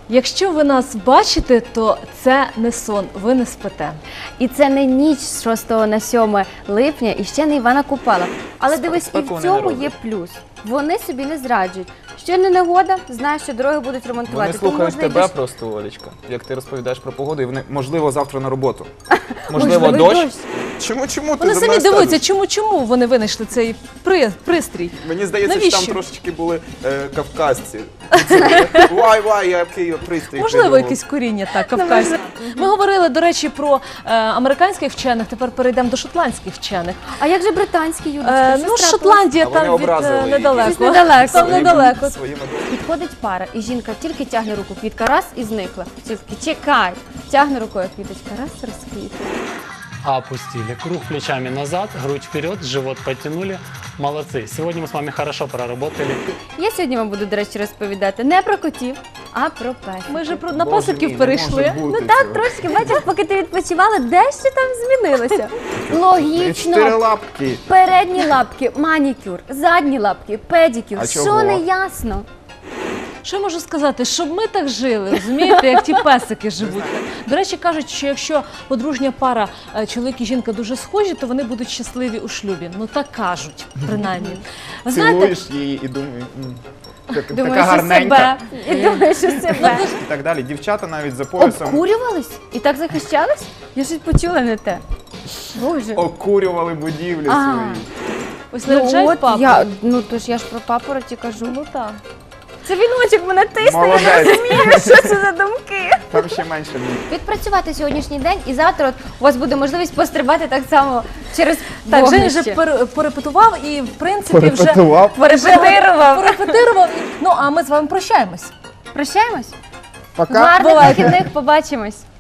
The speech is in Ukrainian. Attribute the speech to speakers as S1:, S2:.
S1: Якщо ви нас бачите, то це не сон, ви не спите.
S2: І це не ніч з 6 на 7 липня і ще не Івана Купала. Але дивись, і в цьому є плюс. Вони собі не зраджують. Що не негода, знаєш, що дороги будуть ремонтувати.
S3: Вони слухають тебе просто, Олечка, як ти розповідаєш про погоду, і вони, можливо, завтра на роботу. Можливо, дощ. Чому ти
S1: Вони
S3: за
S1: самі
S3: мною
S1: дивуються,
S3: стежиш?
S1: чому вони винайшли цей пристрій.
S3: Мені здається,
S1: Навіщо?
S3: що там трошечки були кавказці. Який пристрій.
S1: Можливо,
S3: придумав.
S1: якесь коріння так, кавказьке. Ми говорили, до речі, про американських вчених, тепер перейдемо до шотландських вчених.
S2: А як же британські, Юлічка?
S1: Ну, Шотландія
S3: А вони
S1: там
S3: образили її.
S1: недалеко.
S2: Щось недалеко.
S1: Там недалеко.
S3: Своїми
S2: Підходить пара, і жінка тільки тягне руку, квітка раз і зникла. Чоловік, чекай, тягне рукою квіточка, раз розквітла.
S4: Опустили. Круг плечами назад, грудь вперед, живот подтянули. Молодцы. Сегодня мы с вами хорошо проработали.
S2: Я сьогодні вам буду, до речі, розповідати не про котів, а про песиків.
S1: Ми вже на
S3: Боже мій,
S1: пасиків
S3: не
S1: перейшли.
S3: може бути
S2: Ну так,
S3: цього.
S2: трошки, бачиш, поки ти відпочивала, дещо там змінилося.
S3: Чотири
S2: Логічно.
S3: лапки.
S2: Передні лапки – манікюр, задні лапки – педикюр.
S3: А
S2: Що
S3: чого?
S2: не ясно?
S1: Що я можу сказати? Щоб ми так жили, розумієте, як ті песики живуть. До речі, кажуть, що якщо подружня пара, чоловік і жінка дуже схожі, то вони будуть щасливі у шлюбі. Ну так кажуть, принаймні. Ви знаєте,
S3: Цілуєш її і думаєш, така
S2: Думаєш, що
S3: гарненька.
S2: себе. І думаєш, що себе.
S3: І так далі. Дівчата навіть за поясом
S2: Обкурювались? І так захищались? Я щось почула не те. Боже.
S3: окурювали будівлі
S2: Ага.
S3: свої.
S1: ось наряджають папу.
S2: Ну то ж я ж про папороті кажу.
S1: Ну так.
S2: Це віночок мене тисне, я не
S3: Молодець.
S2: розумію, що це за думки.
S3: Там ще менше.
S2: Відпрацювати сьогоднішній день і завтра от у вас буде можливість пострибати так само через
S1: Так, Женя
S2: вогнище.
S1: вже порепетував і, в принципі, вже
S3: Порепетував.
S1: порепетирував. Ну, а ми з вами прощаємось.
S2: Прощаємось?
S3: Пока.
S2: Гарних
S1: Бувайте.
S2: вихідних, побачимось.